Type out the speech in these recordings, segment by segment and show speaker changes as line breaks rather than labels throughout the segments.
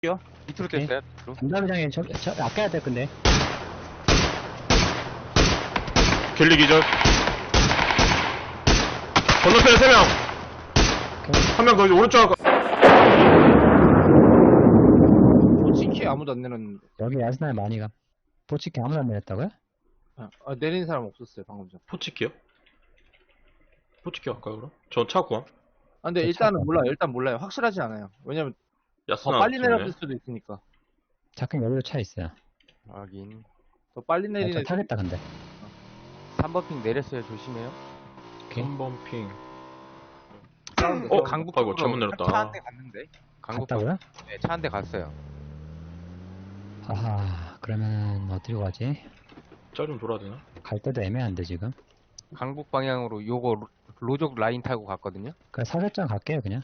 요 밑으로
오케이.
뗐어요. 밑으로.
담당장에 아껴야 돼 근데.
갤리 기절. 건너편에 3명. 한 명 더 오른쪽.
치키 아무도 안 내렸는데.
여기 야스나에 많이 가. 보치키 아무도 안 내렸다고요?
내린 사람 없었어요 방금 전.
포치키요? 포치키 할까요 그럼? 저 차 구함.
근데
저
일단은
차가
몰라요. 일단 몰라요. 확실하진 않아요. 왜냐면 더
야스나
빨리
같은데.
내렸을 수도 있으니까.
작은 여기도 차 있어요.
확인.
더 빨리
저
내리는.
타겠다 근데.
3번 핑 내렸어요. 조심해요.
오케이.
3번 핑.
강북
아이고 잘못 내렸다.
차 한 대 갔는데. 강북
갔다고요?
네, 차 한 대 갔어요.
아하, 그러면 어디로 가지?
짤 좀 돌아야 되나?
갈 때도 애매한데 지금.
강북 방향으로 요거 로족 라인 타고 갔거든요.
그냥 사격장 갈게요 그냥.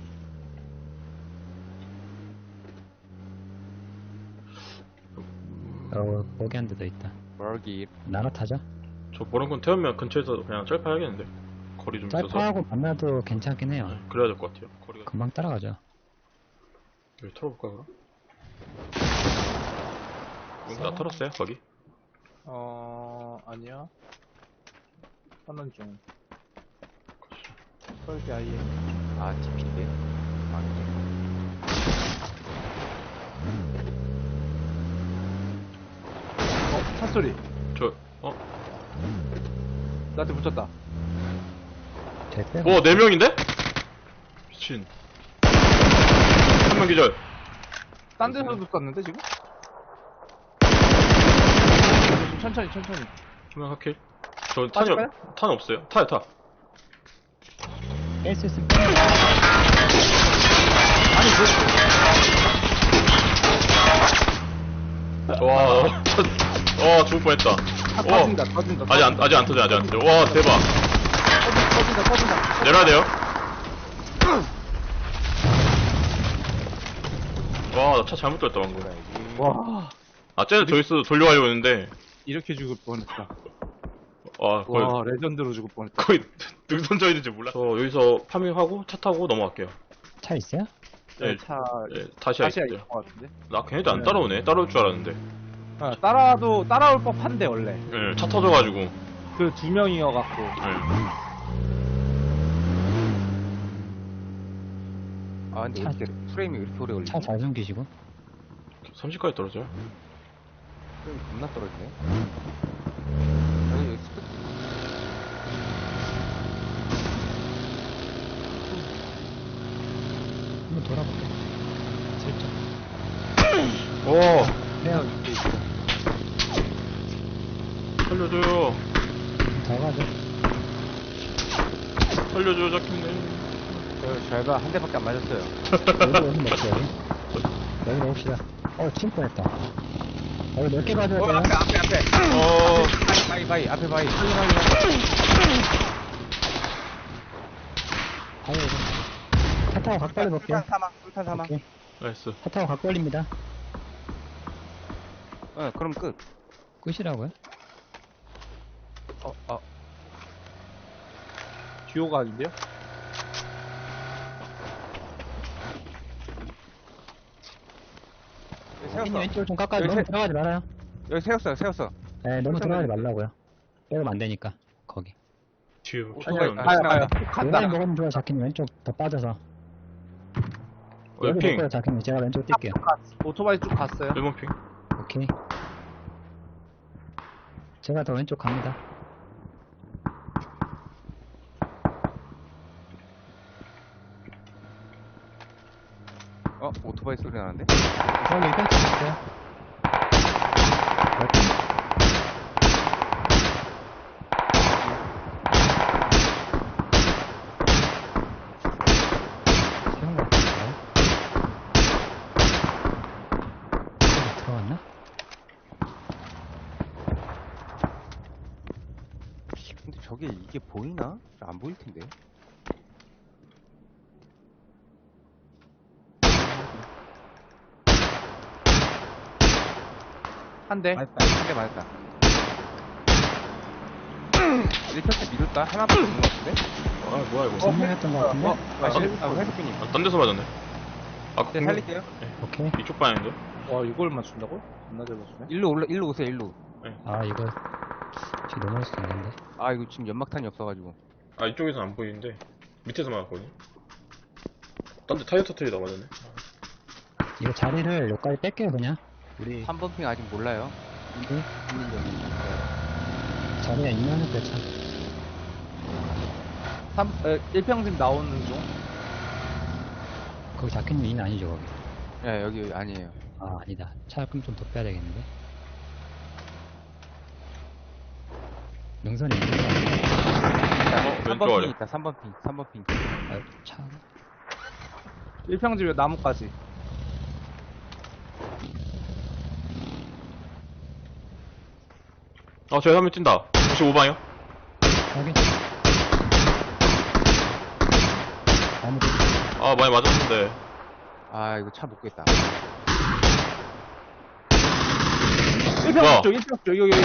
거기 한 대 더 있다.
멀기.
나눠 타죠?
저 보람군 태우면 근처에서 그냥 짤파야겠는데. 거리 좀 있어서.
짤파하고 만나도 괜찮긴 해요.
네, 그래야 될 것 같아요. 거리가.
금방 따라가죠.
여기 털어볼까 그럼? 다 털었어요 거기?
아니야. 선언 중. 설계 아예.
아, TP인데.
차 소리.
저
나한테 붙였다.
됐어요?
4명인데? 미친. 한 명 기절.
딴 데서도 쐈는데 지금? 좀 천천히.
한 명 하킬. 저
빠질까요?
탄 없어요. 타요 타.
뺄 수 있으면
와 죽을 뻔했다.
터진다.
아직 안 터져. 와 대박.
터진다.
내려야 돼요. 와 나 차 잘못 돌렸다 방금.
와.
쟤는 저기서 돌려가려고 했는데
이렇게 죽을 뻔했다.
거의
와, 레전드로 죽을 뻔했다.
거의 능선져 있는지 몰라. 저 여기서 파밍하고 차 타고 넘어갈게요.
차 있어요?
네,
차
네, 다시야
다시야
있어요.
있을 것 같은데.
나 걔네도 안 따라오네. 따라올 줄 알았는데.
따라올 법한데 원래.
네, 차 터져가지고.
그 두 명이어갖고.
네.
아, 근데
차-
어떻게 프레임이 왜 이렇게 오래 걸리지?
차 잘 숨기시고.
30까지 떨어져요.
프레임이 겁나 떨어지네. 여기 스톱.
한번 돌아볼게. 슬쩍.
오,
내가
살려줘요.
더 가죠.
살려줘요, 자켓님.
저희가 한 대밖에 안 맞았어요.
여기 먹자 여기. 여기 먹읍시다. 침 뻔했다. 여기 몇 개 가져야 돼요?
앞에. 바이. 앞에 바이.
아유, 차 타고 각 벌리 볼게요.
술탄 사망.
오케이.
나이스.
차 타고 각 벌립니다.
그럼 끝.
끝이라고요?
듀오가 아닌데요?
님 왼쪽을 좀 깎아줘.
여기
너무
세-
들어가지 말아요.
여기 세웠어.
네, 너무 들어가지 말라고요. 빼면 안 되니까. 거기.
뒤에
아니야,
총알이
아니,
없네.
가요.
간다.
요만히 먹으면 좋아, 자키님. 왼쪽 더 빠져서. 여기
핑.
먹고요, 자키님. 제가 왼쪽 뛸게요.
오토바이 쭉 갔어요.
1번 핑.
오케이. 제가 더 왼쪽 갑니다.
오토바이 소리 나는데?
저기 일단 있어요. 세운 것 같은데? 들어갔나?
근데 저게 이게 보이나? 안 보일 텐데.
한 대.
한 대 맞았다. 1평대 미뤘다. 하나밖에 없는 것 같은데?
뭐야 이거.
분명했던 것 같은데?
회수빈님.
딴 데서 맞았네. 아,
네, 살릴게요.
오케이.
이쪽 방향인데?
와, 이걸 맞춘다고? 겁나 잘 맞추네.
일로 오세요, 일로.
아, 이거 지금 넘어갈 수도 있는데.
아, 이거 지금 연막탄이 없어가지고.
아, 이쪽에서 안 보이는데 밑에서 맞았거든요. 딴 데 타이어 터트리다 맞았네.
이거 자리를 여기까지 뺄게요, 그냥. 우리
3번 핑 아직 몰라요.
이게 자리가 있면은 그렇죠.
1평집 나오는 중.
거기 작가님 인 아니죠, 거기.
예, 여기 아니에요.
아, 아니다. 차 그럼 좀 더 빼야 되겠는데. 능선이 있는 거 아니야?
3번
왼쪽
핑
아래.
있다, 3번 핑.
아, 차.
1평집에 나무까지.
저기 한 명 뛴다. 95방이요?
확인. 아무도.
아, 많이 맞았는데.
아, 이거 차 못 겠다.
1평집 쪽, 1평집 쪽, 여기.
아,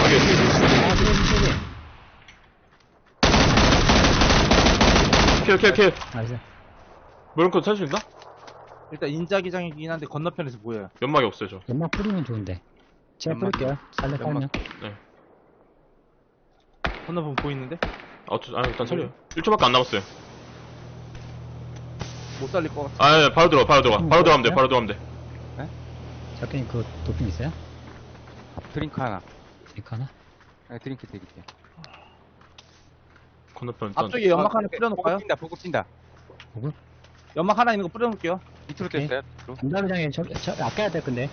저기.
킬.
나이스.
무릎컷 살수 있나?
일단 인자기장이긴 한데 건너편에서 보여요.
연막이 없어요, 저.
연막 뿌리면 좋은데. 제가
연막.
뿌릴게요. 살려
연막.
살면.
건너편 보이는데?
일단 살려요. 1초밖에 안 남았어요.
못 살릴 것 같아.
예, 바로 들어가. 바로 들어가면 돼. 바로 들어가면 돼.
작가님 그 도핑 있어요?
드링크 하나.
이거 하나?
네, 드링크 드릴게요.
건너편 일단.
앞쪽에 연막 하나 뿌려놓을까요?
보급 뛴다.
보급?
연막 하나 있는 거 뿌려놓을게요.
밑으로
오케이.
뗐어요, 밑으로.
담당장에 저 아껴야 될 건데.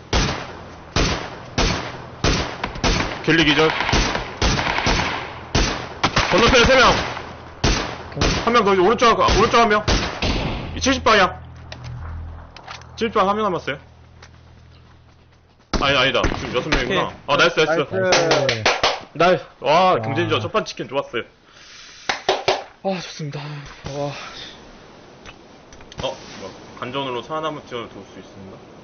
갤리 기절. 건너편에 3명. 한 명 더, 오른쪽 한 명. 70방향. 70방 한 명 남았어요. 아니다. 지금 6명이구나.
오케이.
나이스.
나이스.
나이스. 와,
와.
경쟁전 첫판 치킨 좋았어요. 좋습니다. 간전으로 사나무 찌원을 도울 수 있습니다.